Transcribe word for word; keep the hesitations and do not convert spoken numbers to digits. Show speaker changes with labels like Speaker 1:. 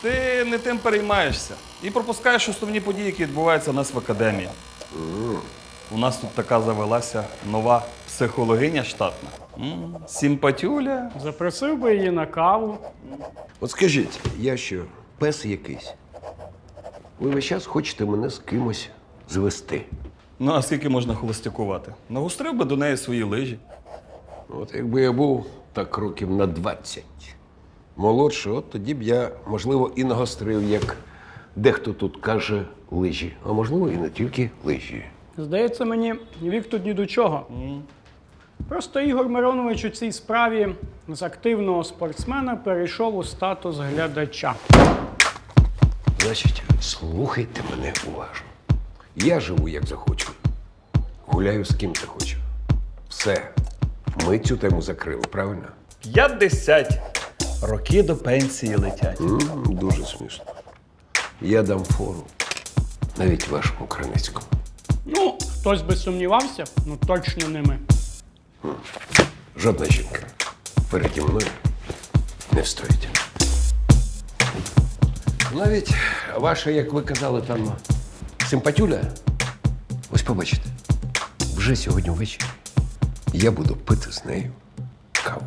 Speaker 1: Ти не тим переймаєшся і пропускаєш основні події, які відбуваються у нас в академії. У нас тут така завелася нова психологиня штатна. М, Симпатюля.
Speaker 2: Запросив би її на каву.
Speaker 3: От скажіть, я що, пес якийсь? Ви весь час хочете мене з кимось звести.
Speaker 1: Ну, а скільки можна холостякувати? Нагострив би до неї свої лижі.
Speaker 3: От якби я був так років на двадцять молодший, от тоді б я, можливо, і нагострив, як дехто тут каже, лижі. А можливо, і не тільки лижі.
Speaker 2: Здається мені, вік тут ні до чого. Просто Ігор Миронович у цій справі з активного спортсмена перейшов у статус глядача.
Speaker 3: Значить, слухайте мене уважно. Я живу, як захочу. Гуляю з ким захочу. Все. Ми цю тему закрили, правильно?
Speaker 1: П'ятдесят. Роки до пенсії летять.
Speaker 3: М, Дуже смішно. Я дам фору. Навіть вашому Кранецькому.
Speaker 2: Ну, хтось би сумнівався, ну точно не ми.
Speaker 3: Жодна жінка переді мною не встоїть. Навіть ваша, як ви казали, там симпатюля. Ось побачите, вже сьогодні ввечері я буду пити з нею